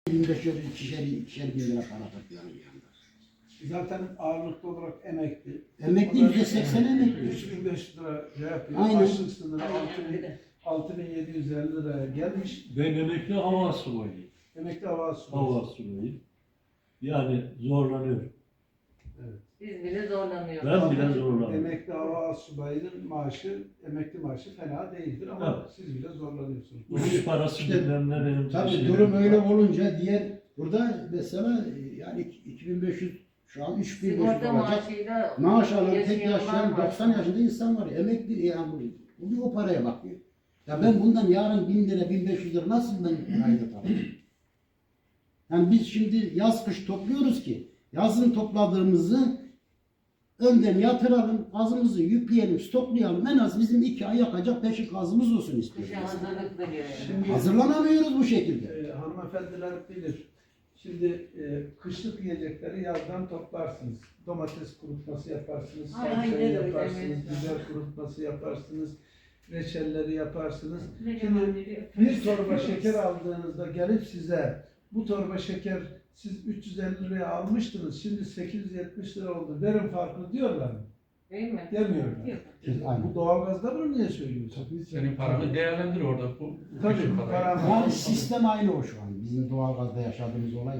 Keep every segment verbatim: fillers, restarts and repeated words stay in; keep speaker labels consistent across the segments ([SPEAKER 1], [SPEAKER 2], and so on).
[SPEAKER 1] bin beş yüz, ikişer, ikişer bin lira para topluyorum bir anda.
[SPEAKER 2] Zaten ağırlıklı olarak emekli.
[SPEAKER 1] Emekli yüzde seksen emekli.
[SPEAKER 2] üç bin beş yüz lira şey yapıyor.
[SPEAKER 1] Aynen.
[SPEAKER 2] Açlık sınırı altı bin yedi yüz elli liraya gelmiş.
[SPEAKER 3] Ben emekli hava subayıyım.
[SPEAKER 2] Emekli hava subayı.
[SPEAKER 3] Hava subayıyım. Yani zorlanıyorum.
[SPEAKER 4] Biz bile zorlanıyoruz.
[SPEAKER 3] Ben bile zorlanıyorum.
[SPEAKER 2] Emekli hava subayının maaşı, emekli maaşı fena değildir ama
[SPEAKER 3] Evet.
[SPEAKER 2] siz bile zorlanıyorsunuz.
[SPEAKER 3] Uçuş parası
[SPEAKER 1] İşte,
[SPEAKER 3] bilmem ne benim
[SPEAKER 1] Tabii
[SPEAKER 3] şeyim
[SPEAKER 1] durum
[SPEAKER 3] var.
[SPEAKER 1] öyle olunca diğer burada mesela yani iki bin beş yüz şu an üç bin beş yüz
[SPEAKER 4] Sigorta
[SPEAKER 1] olacak.
[SPEAKER 4] maaşıyla
[SPEAKER 1] Maaş alan tek
[SPEAKER 4] yaşayanlar
[SPEAKER 1] yaşayan
[SPEAKER 4] var.
[SPEAKER 1] doksan yaşında insan var. Emekli yani bu bir o paraya bakıyor. Ya ben bundan yarın bin lira bin beş yüz lira nasıl ben ayda tabii. Yani biz şimdi yaz kış topluyoruz ki yazın topladığımızı önden yatıralım, gazımızı yükleyelim, stoklayalım. En az bizim iki ay yakacak peşin gazımız olsun istiyoruz.
[SPEAKER 4] Kışa hazırlıklı diyor.
[SPEAKER 2] Şimdi
[SPEAKER 1] Hazırlanamıyoruz bu şekilde.
[SPEAKER 2] e, hanımefendiler bilir. Şimdi e, kışlık yiyecekleri yazdan toplarsınız. Domates kurutması yaparsınız,
[SPEAKER 4] Aynen
[SPEAKER 2] salçayı
[SPEAKER 4] öyle,
[SPEAKER 2] yaparsınız,
[SPEAKER 4] evet.
[SPEAKER 2] biber kurutması yaparsınız, reçelleri yaparsınız.
[SPEAKER 4] Ne
[SPEAKER 2] Şimdi
[SPEAKER 4] zamanları
[SPEAKER 2] bir torba şeker aldığınızda gelip size bu torba şeker siz üç yüz elli liraya almıştınız, şimdi sekiz yüz yetmiş lira oldu, verin farkı diyorlar mı?
[SPEAKER 4] Değil mi?
[SPEAKER 2] Demiyorlar.
[SPEAKER 4] Yok.
[SPEAKER 1] Aynen.
[SPEAKER 2] Bu doğalgazda bunu niye söylüyorsun?
[SPEAKER 5] Senin paranı değerlendir orada. Bu
[SPEAKER 2] Tabii,
[SPEAKER 5] bütün parayı.
[SPEAKER 2] param-
[SPEAKER 1] Yani sistem aynı o şu an. Bizim doğalgazda yaşadığımız olay.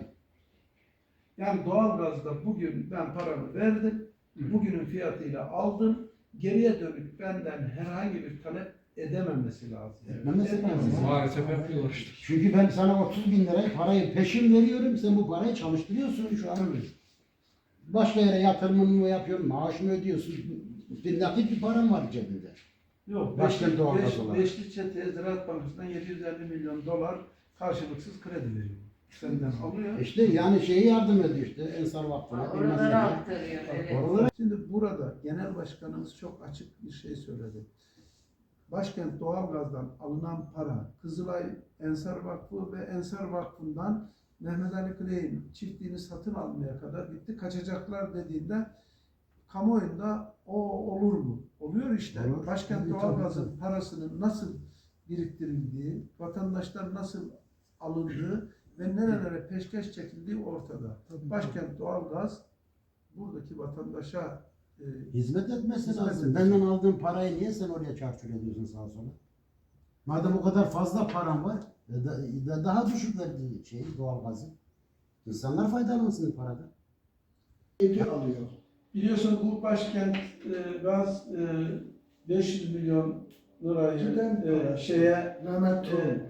[SPEAKER 2] Yani doğalgazda bugün ben paramı verdim, bugünün fiyatıyla aldım, geriye dönük benden herhangi bir talep edememesi lazım.
[SPEAKER 1] Etmemesi lazım.
[SPEAKER 5] Maalesef yapıyorlar işte.
[SPEAKER 1] Çünkü ben sana otuz bin lirayı parayı peşin veriyorum. Sen bu parayı çalıştırıyorsun şu an. Başka yere yatırımını mı yapıyorsun, maaş mı ödüyorsun? Bir nakit bir param var cebinde.
[SPEAKER 2] Yok,
[SPEAKER 1] Başka
[SPEAKER 2] Beşli,
[SPEAKER 1] doğalgaz
[SPEAKER 2] beş,
[SPEAKER 1] olarak.
[SPEAKER 2] Beşli Çete Ziraat Bankası'ndan yedi yüz elli milyon dolar karşılıksız kredi veriyor. Senden alıyor.
[SPEAKER 1] İşte yani şeyi yardım ediyor işte Ensar Vakfı'na. bilmem
[SPEAKER 4] Oralara
[SPEAKER 1] ne.
[SPEAKER 4] aktarıyor. Evet.
[SPEAKER 1] Oralara
[SPEAKER 2] Şimdi burada Genel Başkanımız çok açık bir şey söyledi. Başkent Doğalgaz'dan alınan para, Kızılay Ensar Vakfı ve Ensar Vakfı'ndan Mehmet Ali Kley'in çiftliğini satın almaya kadar gitti. Kaçacaklar dediğinde kamuoyunda o olur mu? Oluyor işte.
[SPEAKER 1] Olur.
[SPEAKER 2] Başkent
[SPEAKER 1] Tabii,
[SPEAKER 2] Doğalgaz'ın
[SPEAKER 1] tabii.
[SPEAKER 2] parasının nasıl biriktirildiği, vatandaşlar nasıl alındığı ve nerelere peşkeş çekildiği ortada. Başkent Doğalgaz buradaki vatandaşa e,
[SPEAKER 1] hizmet etmesi
[SPEAKER 2] Hizmet
[SPEAKER 1] lazım.
[SPEAKER 2] edecek.
[SPEAKER 1] Benden aldığın parayı niye sen oraya çarçur ediyorsun sağa sola? Madem o kadar fazla param var, e, da, da- daha düşük verdiği şeyi doğalgazı. İnsanlar faydalansın parada.
[SPEAKER 2] alıyor. Biliyorsun bu başkent e, gaz e, beş yüz milyon lirayı e, şeye
[SPEAKER 6] Mehmet
[SPEAKER 2] e,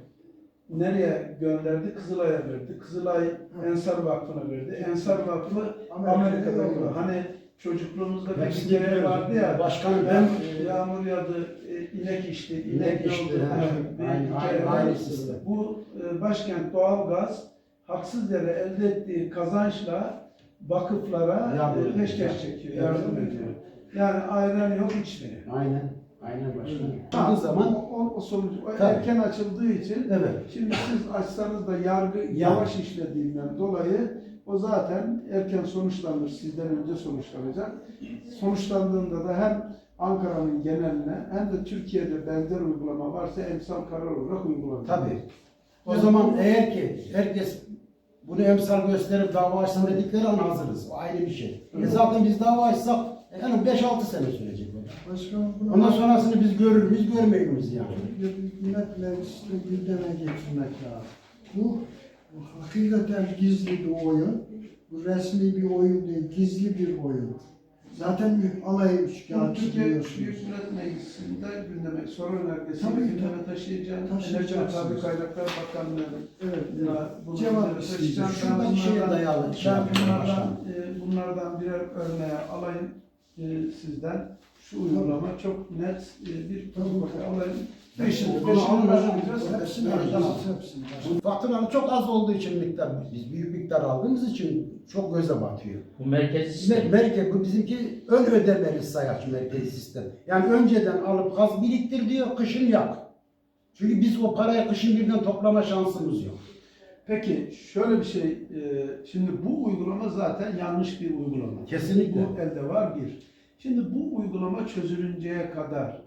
[SPEAKER 2] nereye gönderdi? Kızılay'a verdi. Kızılay Ensar Vakfı'na verdi. Ensar Vakfı Amerika'da oldu. Hani çocukluğumuzda bir
[SPEAKER 1] Hepsini
[SPEAKER 2] hikaye
[SPEAKER 1] biliyoruz.
[SPEAKER 2] vardı ya.
[SPEAKER 1] Başkanım
[SPEAKER 2] ben
[SPEAKER 1] ben-
[SPEAKER 2] e, yağmur yağdı, e, inek içti, inek,
[SPEAKER 1] İnek içti,
[SPEAKER 2] yoldu.
[SPEAKER 1] ha.
[SPEAKER 2] Bir
[SPEAKER 1] Aynı-
[SPEAKER 2] hikaye
[SPEAKER 1] aynı-
[SPEAKER 2] var.
[SPEAKER 1] aynı sistem.
[SPEAKER 2] Bu e, başkent doğalgaz haksız yere elde ettiği kazançla vakıflara
[SPEAKER 1] Yardım
[SPEAKER 2] e,
[SPEAKER 1] ediyor.
[SPEAKER 2] peşkeş çekiyor, yardım ediyor. Yani ayran yok içmiyor.
[SPEAKER 1] Aynen. Aynen başkanım.
[SPEAKER 2] Ha,
[SPEAKER 1] O zaman
[SPEAKER 2] o, o, o sonucu o
[SPEAKER 1] Tabii.
[SPEAKER 2] erken açıldığı için
[SPEAKER 1] evet.
[SPEAKER 2] şimdi siz açsanız da yargı yavaş işlediğinden dolayı o zaten erken sonuçlanır, sizden önce sonuçlanacak. Sonuçlandığında da hem Ankara'nın geneline hem de Türkiye'de benzer uygulama varsa emsal karar olarak uygulanır.
[SPEAKER 1] Tabii. O zaman eğer ki herkes bunu emsal gösterip dava açsın dedikleri an hazırız. O ayrı bir şey. E zaten biz dava açsak yani beş altı sene sürecek. o.
[SPEAKER 6] Başkanım bunu
[SPEAKER 1] Ondan sonrasını biz görür müyüz, görmeyiz miyiz yani?
[SPEAKER 6] Hükümet Meclisi'ne gündeme getirmek lazım. Bu, bu hakikaten gizli bir oyun. Bu resmi bir oyun değil, gizli bir oyun. Zaten alayı
[SPEAKER 2] Bunu
[SPEAKER 6] şikayetçi
[SPEAKER 2] Türkiye
[SPEAKER 6] biliyorsunuz.
[SPEAKER 2] Büyük Millet Meclisi'nde gündeme soru önergesi
[SPEAKER 6] Tabii,
[SPEAKER 2] gündeme
[SPEAKER 6] tabii.
[SPEAKER 2] taşıyacağım.
[SPEAKER 6] Taşıyacaksınız.
[SPEAKER 2] Enerji ve Tabii Kaynaklar Bakanlığı'nın
[SPEAKER 6] Evet,
[SPEAKER 2] buna,
[SPEAKER 6] evet.
[SPEAKER 2] bunu
[SPEAKER 6] Cevap
[SPEAKER 2] gündeme
[SPEAKER 6] isteyeceğim.
[SPEAKER 2] taşıyacağım. Ben
[SPEAKER 1] Şuradan şeye
[SPEAKER 2] bunlardan-
[SPEAKER 1] dayalı şey
[SPEAKER 2] Ben
[SPEAKER 1] yapıyorum
[SPEAKER 2] bunlardan,
[SPEAKER 1] başkanım.
[SPEAKER 2] e, bunlardan birer örneğe alayım e, sizden. Şu uygulama çok net e, bir protokol alayım. Beşini,
[SPEAKER 1] Bunu
[SPEAKER 2] beşini
[SPEAKER 1] alın hocam.
[SPEAKER 2] başlayacağız.
[SPEAKER 6] Hepsini
[SPEAKER 1] Evet,
[SPEAKER 6] alacağız,
[SPEAKER 1] tamam.
[SPEAKER 6] hepsini.
[SPEAKER 1] Bu faturalı çok az olduğu için miktar, biz büyük miktar aldığımız için çok göze batıyor.
[SPEAKER 7] Bu merkezi
[SPEAKER 1] Mer
[SPEAKER 7] sistem.
[SPEAKER 1] merkez, bu bizimki ön ödemeli sayaç merkezi sistem. Yani önceden alıp gaz biriktir diyor, kışın yak. Çünkü biz o parayı kışın birden toplama şansımız yok.
[SPEAKER 2] Peki şöyle bir şey, e, şimdi bu uygulama zaten yanlış bir uygulama.
[SPEAKER 1] Kesinlikle.
[SPEAKER 2] Bu elde var bir. Şimdi bu uygulama çözülünceye kadar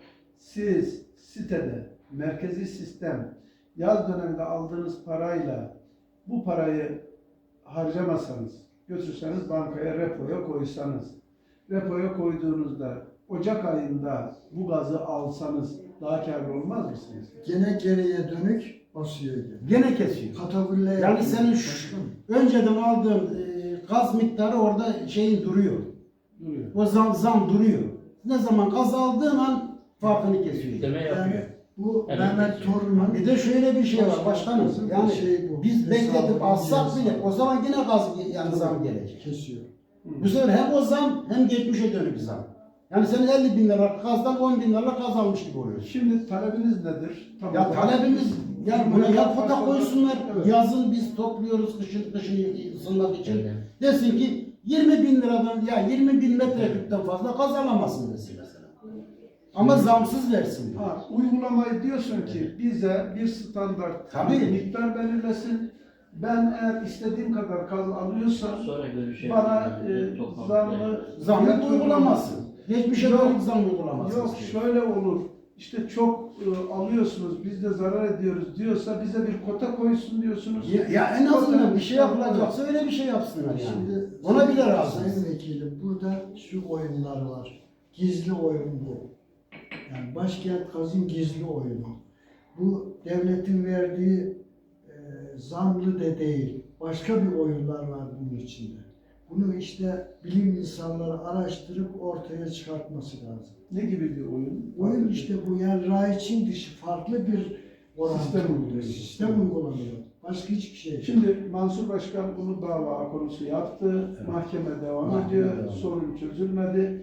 [SPEAKER 2] siz sitede merkezi sistem yaz döneminde aldığınız parayla bu parayı harcamasanız, götürseniz bankaya repoya koysanız, repoya koyduğunuzda Ocak ayında bu gazı alsanız daha karlı olmaz mısınız?
[SPEAKER 6] Gene geriye dönük basıyor gene.
[SPEAKER 1] Gene kesiyor.
[SPEAKER 6] Katakulle
[SPEAKER 1] Yani
[SPEAKER 6] yapıyor.
[SPEAKER 1] senin şu, önceden aldığın e, gaz miktarı orada şeyin duruyor.
[SPEAKER 2] Duruyor.
[SPEAKER 1] O zam, zam duruyor. Ne zaman gaz aldığın an farkını kesiyor.
[SPEAKER 5] Deme yapıyor.
[SPEAKER 6] Yani bu
[SPEAKER 5] Evet,
[SPEAKER 6] Mehmet
[SPEAKER 5] kesiyor.
[SPEAKER 6] Torun'un
[SPEAKER 1] Bir de şöyle bir şey var başkanım. Yani
[SPEAKER 6] şey bu.
[SPEAKER 1] biz bekletip
[SPEAKER 6] Hesabı
[SPEAKER 1] alsak bile
[SPEAKER 6] biliyorsun.
[SPEAKER 1] o zaman yine gaz yani zam gelecek.
[SPEAKER 6] Kesiyor.
[SPEAKER 1] Bu sefer hem o zam hem geçmişe dönük zam. Yani sen elli bin lira gazdan on bin lira gaz almış gibi oluyorsun.
[SPEAKER 2] Şimdi talebiniz nedir? Tam
[SPEAKER 1] Ya
[SPEAKER 2] olarak.
[SPEAKER 1] talebimiz ya buna ya kota koysunlar.
[SPEAKER 2] Evet.
[SPEAKER 1] Yazın biz topluyoruz kışın kışın ısınmak için.
[SPEAKER 5] Evet.
[SPEAKER 1] Desin ki yirmi bin liradan ya yirmi bin metreküpten fazla gaz alamazsın desin mesela. Ama zamsız versin.
[SPEAKER 2] Ha, uygulamayı diyorsun ki bize bir standart
[SPEAKER 1] Tabii.
[SPEAKER 2] miktar belirlesin. Ben eğer istediğim kadar gaz alıyorsam
[SPEAKER 5] Sonra görüşelim.
[SPEAKER 2] bana e,
[SPEAKER 5] Yani, toplantı
[SPEAKER 2] zamlı
[SPEAKER 5] yani.
[SPEAKER 1] Zamlı
[SPEAKER 2] fiyat
[SPEAKER 1] uygulamazsın. Geçmişe
[SPEAKER 2] Yok.
[SPEAKER 1] dönük zam uygulamasın.
[SPEAKER 2] Yok şöyle olur. İşte çok e, alıyorsunuz, biz de zarar ediyoruz diyorsa bize bir kota koysun diyorsunuz.
[SPEAKER 1] Ya, ya en azından
[SPEAKER 2] Kota-
[SPEAKER 1] bir şey yapılacaksa öyle bir şey yapsınlar yani.
[SPEAKER 6] Şimdi
[SPEAKER 1] Ona bile razıyız.
[SPEAKER 6] Sayın Vekilim burada şu oyunlar var. Gizli oyun bu. Yani Başkent Gaz'ın gizli oyunu. Bu devletin verdiği e, zamlı de değil. Başka bir oyunlar var bunun içinde. Bunu işte bilim insanları araştırıp ortaya çıkartması lazım.
[SPEAKER 2] Ne gibi bir oyun?
[SPEAKER 6] Oyun işte bu yani raiçin dışı farklı bir orantı,
[SPEAKER 2] Sistem uyguluyor.
[SPEAKER 6] uyguluyor. Sistem uygulanıyor. Başka hiçbir şey.
[SPEAKER 2] Şimdi Mansur Başkan bunu dava konusu yaptı.
[SPEAKER 1] Evet.
[SPEAKER 2] Mahkeme devam
[SPEAKER 1] Mahkeme
[SPEAKER 2] ediyor.
[SPEAKER 1] devam.
[SPEAKER 2] Sorun çözülmedi.